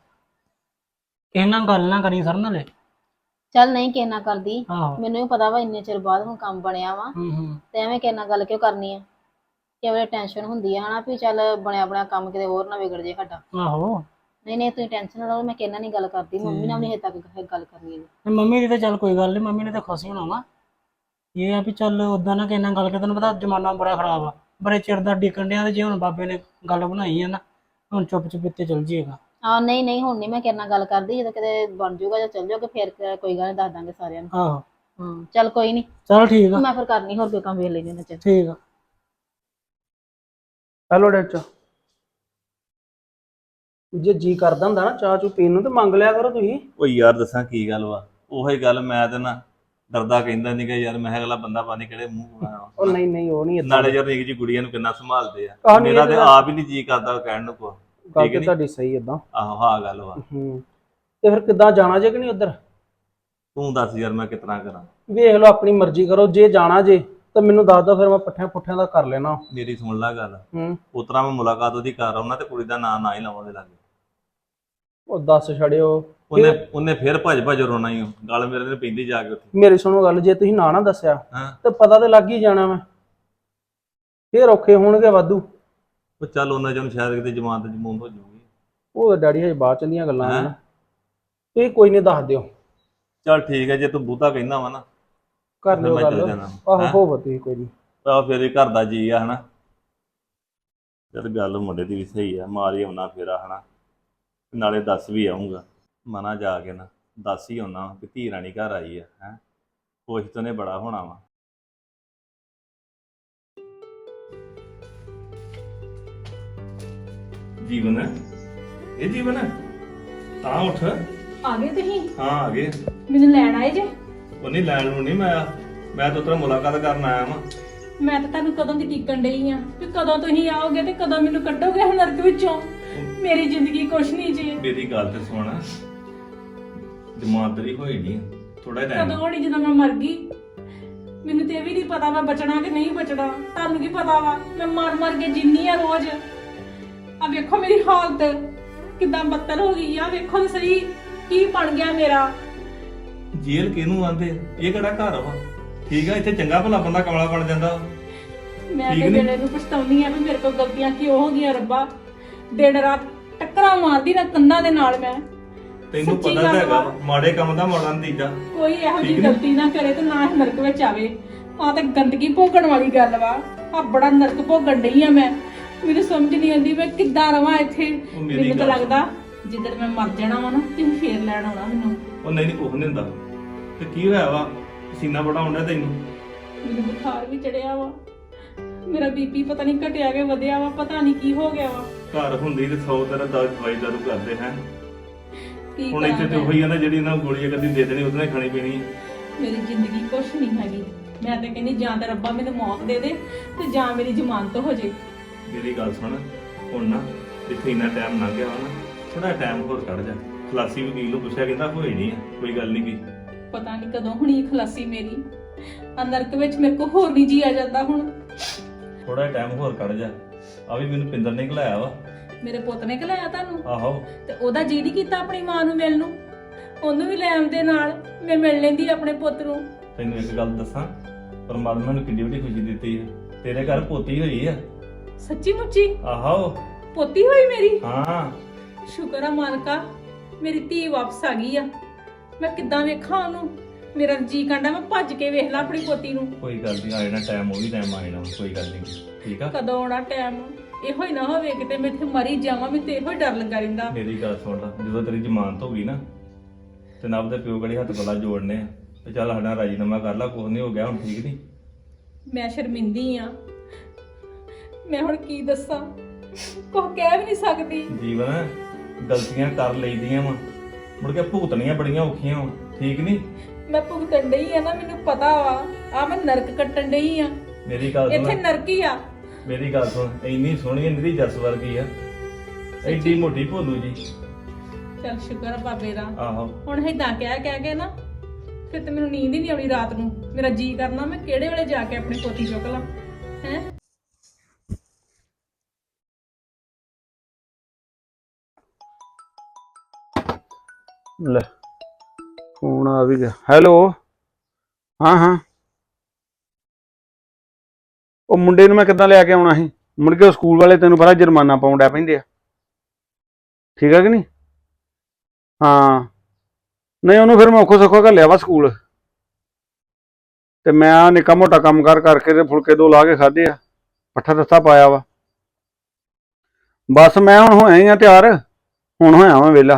S5: ਕਿਸੇ ਨਾਲ ਗੱਲ ਨਾ ਕਰੀ ਸਰ ਨਾਲੇ।
S2: ਚੱਲ ਨਹੀਂ ਕਿਸੇ ਨਾਲ ਕਰਦੀ,
S5: ਆਹੋ
S2: ਮੈਨੂੰ ਵੀ ਪਤਾ ਵਾ ਇੰਨੇ ਚਿਰ ਬਾਅਦ ਹੁਣ ਕੰਮ ਬਣਿਆ ਵਾ, ਤੇ ਐਵੇਂ ਕਿਸੇ ਨਾਲ ਗੱਲ ਕਿਉਂ ਕਰਨੀ ਆ। ਕਿਵੇਂ ਟੈਨਸ਼ਨ ਹੁੰਦੀ ਆ ਹਨਾ, ਵੀ ਚੱਲ ਬਣਿਆ ਬਣਿਆ ਕੰਮ ਕਿਤੇ ਹੋਰ ਨਾ ਵਿਗੜ ਜੇ ਸਾਡਾ।
S5: ਆਹੋ
S2: ਨਹੀਂ ਨਹੀਂ ਤੁਸੀਂ ਟੈਨਸ਼ਨ ਨਾ ਲਓ, ਮੈਂ ਕਿਹਨਾਂ ਨਹੀਂ ਗੱਲ ਕਰਦੀ, ਮੰਮੀ ਨਾਲ ਵੀ ਹਜੇ ਤੱਕ ਗੱਲ ਕਰਨੀ ਹੈ।
S5: ਮੰਮੀ ਦੀ ਤਾਂ ਚੱਲ ਕੋਈ ਗੱਲ ਨਹੀਂ, ਮੰਮੀ ਨੇ ਤਾਂ ਖੁਸ਼ ਹੋਣਾ ਵਾ। ਇਹ ਆ ਵੀ ਚੱਲ ਉਦਾਂ ਨਾ ਕਿਸੇ ਨਾਲ ਗੱਲ ਕਰ, ਤੈਨੂੰ ਪਤਾ ਜ਼ਮਾਨਾ ਬੜਾ ਖਰਾਬ ਆ, ਬੜੇ ਚਿਰ ਦਾ ਡਿੱਕਣ ਡਿਆ, ਤੇ ਜੇ ਹੁਣ ਬਾਬੇ ਨੇ ਗੱਲ ਬਣਾਈ ਆ ਨਾ, ਹੁਣ ਚੁੱਪ ਚੁਪੀਤੇ ਚੱਲ ਜੀਏਗਾ।
S2: ਹਾਂ ਨਹੀਂ ਨਹੀਂ ਹੁਣ ਨਹੀਂ ਮੈਂ ਕਿਸੇ ਨਾਲ ਗੱਲ ਕਰਦੀ, ਜਦੋਂ ਕਿਤੇ ਬਣ ਜਾਊਗਾ ਜਾਂ ਚੱਲ ਜਾਓਗੇ ਫਿਰ ਕੋਈ ਗੱਲ ਨਹੀਂ, ਦੱਸ ਦਾਂਗੇ ਸਾਰਿਆਂ ਨੂੰ।
S5: ਆਹੋ
S2: ਹਾਂ ਚੱਲ ਕੋਈ ਨਹੀਂ,
S5: ਚੱਲ ਠੀਕ ਆ।
S2: ਮੈਂ ਫਿਰ ਕਰਨੀ ਹੋਰ ਕੋਈ ਕੰਮ ਵੇਖ ਲੈਂਦੇ ਨਾ। ਚੱਲ
S5: ਠੀਕ ਆ।
S3: ਹੈਲੋ ਡੈਡ, ਜੇ ਜੀ ਕਰਦਾ ਹੁੰਦਾ ਨਾ ਚਾਹ ਚੂ ਪੀਣ ਨੂੰ ਤੇ ਮੰਗ ਲਿਆ ਕਰੋ ਤੁਸੀਂ।
S4: ਉਹ ਯਾਰ ਦੱਸਾਂ ਕੀ ਗੱਲ ਵਾ, ਉਹੀ ਗੱਲ ਮੈਂ ਤੇ ਨਾ ਡਰਦਾ ਕਹਿੰਦਾ ਨਹੀਂ ਕਿ ਯਾਰ ਮੈਂ ਅਗਲਾ ਬੰਦਾ ਪਾਣੀ ਕਿਹੜੇ ਮੂੰਹ ਆਇਆ।
S3: ਉਹ ਨਹੀਂ ਨਹੀਂ ਉਹ ਨਹੀਂ
S4: ਨਾਲੇ ਯਾਰ ਨਿੱਕੀ ਜੀ ਗੁੜੀਆਂ ਨੂੰ ਕਿੰਨਾ ਸੰਭਾਲਦੇ ਆ,
S3: ਆਹ ਨਹੀਂ
S4: ਮੇਰਾ ਤੇ ਆਪ ਹੀ ਨਹੀਂ ਜੀ ਕਰਦਾ ਕਹਿਣ ਨੂੰ ਕੋ।
S3: ਗੱਲ ਤੇ ਤੁਹਾਡੀ ਸਹੀ ਏਦਾਂ।
S4: ਆਹੋ ਹਾਂ ਗੱਲ ਵਾ।
S3: ਤੇ ਫਿਰ ਕਿੱਦਾਂ ਜਾਣਾ ਜੇ ਕਿ ਨਹੀਂ ਉੱਧਰ?
S4: ਤੂੰ ਦੱਸ ਯਾਰ ਮੈਂ ਕਿਤਨਾ ਕਰਾਂ।
S3: ਵੇਖ ਲਓ ਆਪਣੀ ਮਰਜ਼ੀ ਕਰੋ, ਜੇ ਜਾਣਾ ਜੇ ਤਾਂ ਮੈਨੂੰ ਦੱਸ ਦਿਓ, ਫਿਰ ਮੈਂ ਪੱਠਿਆਂ ਪੁੱਠਿਆਂ ਦਾ ਕਰ ਲੈਣਾ।
S4: ਮੇਰੀ ਸੁਣ ਲੈ ਗੱਲ, ਉਤਰਾ ਮੈਂ ਮੁਲਾਕਾਤ ਉਹਦੀ ਕਰ ਆਉਣਾ ਤੇ ਕੁੜੀ ਦਾ ਨਾਂ ਨਾ ਹੀ ਲਾਵਾਂ ਦੇ ਲਾਗੇ।
S3: ਉਹ ਦੱਸ ਛੜਿਓ,
S4: ਉਹਨੇ ਫਿਰ ਭੱਜ ਰੋਣਾ ਹੀ, ਗੱਲ ਮੇਰੇ ਨੇ ਪੈਂਦੀ ਜਾ ਕੇ ਉੱਥੇ।
S3: ਮੇਰੀ ਸੁਣੋ ਗੱਲ, ਜੇ ਤੁਸੀਂ ਨਾ ਦੱਸਿਆ
S4: ਹਾਂ
S3: ਤੇ ਪਤਾ ਤੇ ਲੱਗ ਹੀ ਜਾਣਾ ਵਾ, ਫੇਰ ਔਖੇ ਹੋਣਗੇ ਵਾਧੂ।
S4: ਉਹ ਚੱਲ ਉਹਨਾਂ ਚੋਂ ਸ਼ਾਇਦ ਕਿਤੇ ਜਮਾਨਤ ਜਮੂਨ ਹੋ ਜਾਊਗੀ।
S3: ਉਹ ਡੈਡੀ ਹਜੇ ਬਾਅਦ ਚ ਦੀਆਂ ਗੱਲਾਂ ਨੇ, ਤੁਸੀਂ ਕੋਈ ਨਹੀਂ ਦੱਸ ਦਿਓ।
S4: ਚੱਲ ਠੀਕ ਹੈ, ਜੇ ਤੂੰ ਬੂਤਾ ਕਹਿੰਦਾ ਵਾ ਨਾ
S3: ਕਰ ਲਿਓ ਗੱਲ। ਆਹੋ ਹੋਵੋ ਤੁਸੀਂ, ਕੋਈ ਨਹੀਂ।
S4: ਆਹ ਫਿਰ ਇਹ ਘਰ ਦਾ ਜੀ ਆ ਹਨਾ। ਯਾਰ ਗੱਲ ਮੁੰਡੇ ਦੀ ਵੀ ਸਹੀ ਆ, ਮਾਰ ਹੀ ਆਉਣਾ ਫੇਰਾ ਹਨਾ, ਨਾਲੇ ਦੱਸ ਵੀ ਆਊਂਗਾ ਮਨਾ ਜਾ ਕੇ ਨਾ, ਦੱਸ ਹੀ ਆਉਣਾ ਕਿ ਧੀ ਰਾਣੀ ਘਰ ਆਈ ਆ ਹੈ, ਖੁਸ਼ ਤਾਂ ਨੇ ਬੜਾ ਹੋਣਾ ਵਾ। ਜੀਵਨ ਇਹ ਜੀਵਨ ਤਾਂ ਉੱਠ।
S6: ਆ ਗਏ ਤੁਸੀਂ?
S4: ਹਾਂ ਆ ਗਏ।
S6: ਮੈਨੂੰ ਲੈਣ ਆਏ ਜੇ?
S4: ਉਹ ਨਹੀਂ ਲੈਣ ਨੂੰ ਨਹੀਂ, ਮੈਂ ਤਾਂ ਤੇਰਾ ਮੁਲਾਕਾਤ ਕਰਨ ਆਇਆ ਵਾਂ।
S6: ਮੈਂ ਤਾਂ ਤੁਹਾਨੂੰ ਕਦੋਂ ਦੀ ਟਿਕਣ ਡਈ ਆ ਕਿ ਕਦੋਂ ਤੁਸੀਂ ਆਓਗੇ ਤੇ ਕਦੋਂ ਮੈਨੂੰ ਕੱਢੋਗੇ ਨਰਕ ਵਿੱਚੋਂ। ਮੇਰੀ ਜ਼ਿੰਦਗੀ ਕੁਛ ਨਹੀਂ ਜੀ।
S4: ਮੇਰੀ ਗੱਲ ਤੇ ਸੁਣ, ਦਿਮਾਗ ਤੇਰੀ ਹੋਈ ਨਹੀਂ ਥੋੜਾ ਟਾਈਮ।
S6: ਕਦੋਂ ਹੋਣੀ ਜਦੋਂ ਮੈਂ ਮਰ ਗਈ? ਮੈਨੂੰ ਤੇ ਇਹ ਵੀ ਨਹੀਂ ਪਤਾ ਮੈਂ ਬਚਣਾ ਕਿ ਨਹੀਂ ਬਚਣਾ। ਤੁਹਾਨੂੰ ਕੀ ਪਤਾ ਵਾ, ਮੈਂ ਮਰ ਕੇ ਜਿੰਨੀ ਆ ਰੋਜ਼। ਆ ਵੇਖੋ ਮੇਰੀ ਹਾਲਤ ਕਿੱਦਾਂ ਬੱਤਲ ਹੋ ਗਈ ਆ, ਵੇਖੋ ਤੇ ਸਹੀ ਕੀ ਬਣ ਗਿਆ ਮੇਰਾ।
S4: ਜੇਲ੍ਹ ਕਿਹਨੂੰ ਆਂਦੇ, ਇਹ ਕਿਹੜਾ ਘਰ ਵਾ? ਠੀਕ ਆ, ਇੱਥੇ ਚੰਗਾ ਭਲਾ ਬੰਦਾ ਕਮਲਾ ਬਣ ਜਾਂਦਾ।
S6: ਮੈਂ ਤੇ ਜਿਹੜੇ ਨੂੰ ਪਛਤਾਉਣੀ ਆ ਵੀ ਮੇਰੇ ਕੋਲ ਗਲਤੀਆਂ ਕਿਉਂ ਹੋ ਗਈਆਂ ਰੱਬਾ। ਦਿਨ ਰਾਤ ਟੱਕਰਾਂ ਮਾਰਦੀ ਨਾ ਕੰਨਾਂ ਦੇ ਨਾਲ ਮੈਂ।
S4: ਤੈਨੂੰ ਪਤਾ ਤਾਂ ਹੈਗਾ ਮਾੜੇ ਕੰਮ ਦਾ ਮਾੜਾ ਨਤੀਜਾ।
S6: ਕੋਈ ਇਹੋ ਜਿਹੀ ਗਲਤੀ ਨਾ ਕਰੇ ਤੇ ਨਾ ਨਰਕ ਵਿੱਚ ਆਵੇ। ਆ ਤੇ ਗੰਦਗੀ ਭੋਗਣ ਵਾਲੀ ਗੱਲ ਵਾ। ਆ ਬੜਾ ਨਰਕ ਭੋਗਣ ਡਈ ਆ ਮੈਂ। ਮੈਨੂੰ ਸਮਝ ਨਹੀਂ ਆਉਂਦੀ ਮੈਂ ਕਿੱਦਾਂ ਰਵਾਂ ਇੱਥੇ।
S4: ਉਹ ਮੇਰੀ
S6: ਮੈਨੂੰ ਤਾਂ
S4: ਗੱਲ
S6: ਲੱਗਦਾ ਜਿੱਦਣ ਮੈਂ ਮਰ ਜਾਣਾ ਵਾ ਨਾ ਤੁਸੀਂ ਫੇਰ ਲੈਣ ਆਉਣਾ ਮੈਨੂੰ।
S4: ਉਹ ਨਹੀਂ ਕੁਝ ਨਹੀਂ ਹੁੰਦਾ। ਤੇ ਕੀ ਹੋਇਆ ਵਾ? ਪਸੀਨਾ ਬੜਾ ਆਉਂਦਾ ਤੈਨੂੰ?
S6: ਮੈਨੂੰ ਬੁਖਾਰ ਵੀ ਚੜਿਆ ਵਾ, ਮੇਰਾ ਬੀਪੀ ਪਤਾ ਨਹੀਂ ਘਟਿਆ ਕਿ ਵਧਿਆ ਵਾ, ਪਤਾ ਨਹੀਂ ਕੀ ਹੋ ਗਿਆ ਵਾ।
S4: ਘਰ ਹੁੰਦੀ ਤੇ 100 ਤਰ੍ਹਾਂ ਦਾ ਦਵਾਈ ਦਾਰੂ ਕਰਦੇ ਹੈ।
S6: ਕੀ
S4: ਹੁਣ ਇੱਥੇ ਤੇ
S6: ਕਰਾਂ
S4: ਉਹੀ ਆ ਨਾ ਜਿਹੜੀ ਇਹਨਾਂ ਨੂੰ ਗੋਲੀਆਂ ਕਦੀ ਦੇ ਦੇਣੀ ਉਹਦੇ ਨਾਲ ਖਾਣੀ ਪੀਣੀ ਹੈ।
S6: ਮੇਰੀ ਜ਼ਿੰਦਗੀ ਕੁਛ ਨਹੀਂ ਹੈਗੀ। ਮੈਂ ਤਾਂ ਕਹਿੰਦੀ ਜਾਂ ਤਾਂ ਰੱਬਾ ਮੈਨੂੰ ਮੌਤ ਦੇ ਦੇ ਤੇ ਜਾਂ ਮੇਰੀ ਜ਼ਮਾਨਤ ਹੋ ਜੇ।
S4: ਮੇਰੀ ਗੱਲ ਸੁਣ, ਹੁਣ ਨਾ ਜਿੱਥੇ ਇੰਨਾ ਟਾਈਮ ਲੰਘ ਗਿਆ ਵਾ ਨਾ, ਥੋੜਾ ਟਾਈਮ ਹੋਰ ਕੱਢ ਜਾ। ਖਲਾਸੀ ਵਕੀਲ ਨੂੰ ਪੁੱਛਿਆ, ਕਹਿੰਦਾ ਹੋਈ ਨਹੀਂ ਆ, ਕੋਈ ਗੱਲ ਨਹੀਂ ਕੀ।
S6: ਪਤਾ ਨਹੀਂ ਕਦੋਂ ਹੁਣੀ ਖਲਾਸੀ ਮੇਰੀ। ਆ ਨਰਕ ਵਿੱਚ ਮੇਰੇ ਕੋ ਹੋਰ ਨਹੀਂ ਜੀਆ ਜਾਂਦਾ ਹੁਣ।
S4: ਥੋੜਾ ਟਾਈਮ ਹੋਰ ਕੱਢ ਜਾ। ਆ ਵੀ ਮੈਨੂੰ ਪਿੰਦਰ ਨੇ ਘਲਾਇਆ ਵਾ।
S6: ਮੇਰੇ ਪੁੱਤ ਨੇ ਘਲਾਇਆ ਤੁਹਾਨੂੰ?
S4: ਆਹੋ।
S6: ਤੇ ਉਹਦਾ ਜੀ ਨਹੀਂ ਕੀਤਾ ਆਪਣੀ ਮਾਂ ਨੂੰ ਮਿਲਣ ਨੂੰ? ਉਹਨੂੰ ਵੀ ਲੈ ਆਉਂਦੇ ਨਾਲ, ਮੈਂ ਮਿਲ ਲੈਂਦੀ ਆਪਣੇ ਪੁੱਤ ਨੂੰ।
S4: ਤੈਨੂੰ ਇੱਕ ਗੱਲ ਦੱਸਾਂ, ਪਰਮਾਤਮਾ ਨੂੰ ਕਿੰਨੀ ਵੱਡੀ ਖੁਸ਼ੀ ਦਿੱਤੀ ਹੈ। ਤੇਰੇ ਘਰ ਪੋਤੀ ਹੋਈ ਆ।
S6: ਸੱਚੀ ਮੁੱਚੀ
S4: ਆਹੋ।
S6: ਪੋਤੀ ਹੋਈ ਮੇਰੀ?
S4: ਹਾਂ।
S6: ਸ਼ੁਕਰ ਆ ਮਾਲਕਾ, ਮੇਰੀ ਧੀ ਵਾਪਸ ਆ ਗਈ ਆ। ਮੈਂ ਕਿੱਦਾਂ ਵੇਖਾਂ ਉਹਨੂੰ? ਮੇਰਾ ਜੀ ਕਹਿੰਦਾ ਮੈਂ ਭੱਜ ਕੇ ਵੇਖ ਲਾਂ ਆਪਣੀ ਪੋਤੀ ਨੂੰ।
S4: ਕੋਈ ਗੱਲ ਨਹੀਂ, ਆ ਜਾਣਾ ਟਾਈਮ, ਉਹ ਵੀ ਟਾਈਮ ਆ ਜਾਣਾ, ਕੋਈ ਗੱਲ ਨਹੀਂ। ਠੀਕ ਆ।
S6: ਕਦੋਂ ਆਉਣਾ ਟਾਈਮ? ਇਹੋ ਹੀ ਨਾ ਹੋਵੇ ਕਿਤੇ ਮੈਂ ਇੱਥੇ ਮਰੀ ਜਾਵਾਂ। ਮੈਨੂੰ ਤੇ ਇਹੋ ਹੀ ਡਰ ਲੱਗਾ ਰਹਿੰਦਾ।
S4: ਮੇਰੀ ਗੱਲ ਸੁਣ ਲੈ, ਜਦੋਂ ਤੇਰੀ ਜ਼ਮਾਨਤ ਹੋ ਗਈ ਨਾ ਤੇ ਨਵ ਦੇ ਪਿਓ ਗੜੀ ਹੱਥ ਗਲਾ ਜੋੜਨੇ ਆ ਤੇ ਚੱਲ ਸਾਡਾ ਰਾਜੀਨਾਮਾ ਕਰ ਲਾ, ਕੁਝ ਨਹੀਂ ਹੋ ਗਿਆ ਹੁਣ, ਠੀਕ ਨਹੀਂ?
S6: ਮੈਂ ਸ਼ਰਮਿੰਦੀ ਆ, ਮੈਂ ਹੁਣ ਕੀ ਦੱਸਾਂ, ਕੁਝ ਕਹਿ ਵੀ ਨਹੀਂ ਸਕਦੀ।
S4: ਜੀਵਨ ਗਲਤੀਆਂ ਕਰ ਲਈਦੀਆਂ ਵਾ, ਮੁੜ ਕੇ ਭੁਗਤਣੀਆਂ ਬੜੀਆਂ ਔਖੀਆਂ ਵਾ, ਠੀਕ ਨਹੀਂ?
S6: ਮੈਂ ਭੁਗਤਣ ਡਈ ਆ ਨਾ, ਮੈਨੂੰ ਪਤਾ ਵਾ। ਆ ਮੈਂ ਨਰਕ ਕੱਟਣ ਡਈ ਆ।
S4: ਮੇਰੀ ਗੱਲ
S6: ਇੱਥੇ
S4: ਸੁਣ,
S6: ਨਰਕ ਹੀ ਆ।
S4: ਮੇਰੀ ਗੱਲ ਸੁਣ, ਇੰਨੀ ਸੋਹਣੀ ਨਿਰੀ ਜੱਸ ਵਰਗੀ ਆ, ਐਡੀ ਮੋਟੀ ਭੋਲੂ ਜੀ।
S6: ਚੱਲ ਸ਼ੁਕਰ ਆ ਬਾਬੇ ਦਾ।
S4: ਆਹੋ।
S6: ਹੁਣ ਏਦਾਂ ਕਹਿ ਕੇ ਨਾ ਫਿਰ ਤੇ ਮੈਨੂੰ ਨੀਂਦ ਹੀ ਨਹੀਂ ਆਉਣੀ ਰਾਤ ਨੂੰ। ਮੇਰਾ ਜੀ ਕਰਨਾ ਮੈਂ ਕਿਹੜੇ ਵੇਲੇ ਜਾ ਕੇ ਆਪਣੀ ਪੋਤੀ ਚੁੱਕ ਲਾਂ। ਹੈ
S7: ਲੈ ਫੋਨ ਆ ਵੀ ਗਿਆ। ਹੈਲੋ। ਹਾਂ ਹਾਂ, ਉਹ ਮੁੰਡੇ ਨੂੰ ਮੈਂ ਕਿੱਦਾਂ ਲੈ ਕੇ ਆਉਣਾ ਸੀ? ਮੁੜ ਕੇ ਉਹ ਸਕੂਲ ਵਾਲੇ ਤੈਨੂੰ ਪਤਾ ਜੁਰਮਾਨਾ ਪਾਉਣ ਡੈ ਪੈਂਦੇ ਆ, ਠੀਕ ਆ ਕਿ ਨਹੀਂ? ਹਾਂ ਨਹੀਂ, ਉਹਨੂੰ ਫਿਰ ਮੈਂ ਔਖੋ ਸੌਖੋ ਘੱਲਿਆ ਵਾ ਸਕੂਲ, ਤੇ ਮੈਂ ਨਿੱਕਾ ਮੋਟਾ ਕੰਮ ਕਰਕੇ ਤੇ ਫੁਲਕੇ 2 ਲਾ ਕੇ ਖਾਧੇ ਆ, ਪੱਠਾ ਦੱਸਾ ਪਾਇਆ ਵਾ। ਬਸ ਮੈਂ ਹੁਣ ਹੋਇਆ ਹੀ ਆ ਤਿਆਰ, ਹੁਣ ਹੋਇਆ ਵਾਂ ਵਿਹਲਾ।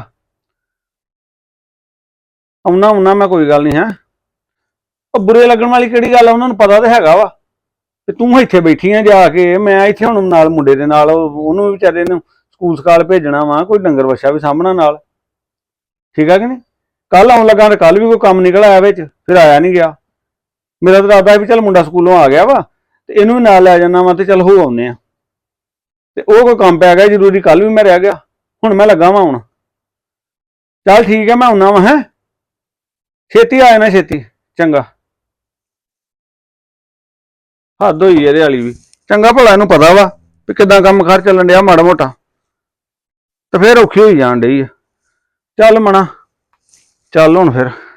S7: ਆਉਣਾ ਮੈਂ, ਕੋਈ ਗੱਲ ਨਹੀਂ। ਹੈ ਉਹ ਬੁਰੇ ਲੱਗਣ ਵਾਲੀ ਕਿਹੜੀ ਗੱਲ ਆ? ਉਹਨਾਂ ਨੂੰ ਪਤਾ ਤਾਂ ਹੈਗਾ ਵਾ ਤੇ ਤੂੰ ਇੱਥੇ ਬੈਠੀ ਆ ਜਾ ਕੇ। ਮੈਂ ਇੱਥੇ ਹੁਣ ਨਾਲ ਮੁੰਡੇ ਦੇ ਨਾਲ, ਉਹਨੂੰ ਵੀ ਵਿਚਾਰੇ ਨੂੰ ਸਕੂਲ ਸਕਾਲ ਭੇਜਣਾ ਵਾ, ਕੋਈ ਡੰਗਰ ਵੱਛਾ ਵੀ ਸਾਂਭਣਾ ਨਾਲ, ਠੀਕ ਆ ਕਿ ਨਹੀਂ? ਕੱਲ ਆਉਣ ਲੱਗਾ ਤੇ ਕੱਲ ਵੀ ਕੋਈ ਕੰਮ ਨਿਕਲ ਆਇਆ ਵਿੱਚ, ਫਿਰ ਆਇਆ ਨਹੀਂ ਗਿਆ। ਮੇਰਾ ਤਾਂ ਇਰਾਦਾ ਵੀ ਚੱਲ ਮੁੰਡਾ ਸਕੂਲੋਂ ਆ ਗਿਆ ਵਾ ਤੇ ਇਹਨੂੰ ਵੀ ਨਾਲ ਲੈ ਜਾਣਾ ਵਾ ਤੇ ਚੱਲ ਹੋ ਆਉਂਦੇ ਆ। ਤੇ ਉਹ ਕੋਈ ਕੰਮ ਪੈ ਗਿਆ ਜ਼ਰੂਰੀ, ਕੱਲ ਵੀ ਮੈਂ ਰਹਿ ਗਿਆ, ਹੁਣ ਮੈਂ ਲੱਗਾ ਵਾ ਹੁਣ। ਚੱਲ ਠੀਕ ਹੈ, ਮੈਂ ਆਉਣਾ ਵਾ। ਹੈ ਛੇਤੀ ਆ ਜਾਣਾ, ਛੇਤੀ। ਚੰਗਾ। ਹੱਦ ਹੋਈ ਇਹਦੇ ਵਾਲੀ ਵੀ। ਚੰਗਾ ਭਲਾ ਇਹਨੂੰ ਪਤਾ ਵਾ ਵੀ ਕਿੱਦਾਂ ਕੰਮ ਕਾਰ ਚੱਲਣ ਡਿਆ ਮਾੜਾ ਮੋਟਾ, ਤੇ ਫਿਰ ਔਖੀ ਹੋਈ ਜਾਣ ਡਈ ਆ। ਚੱਲ ਮਣਾ, ਚੱਲ ਹੁਣ ਫਿਰ।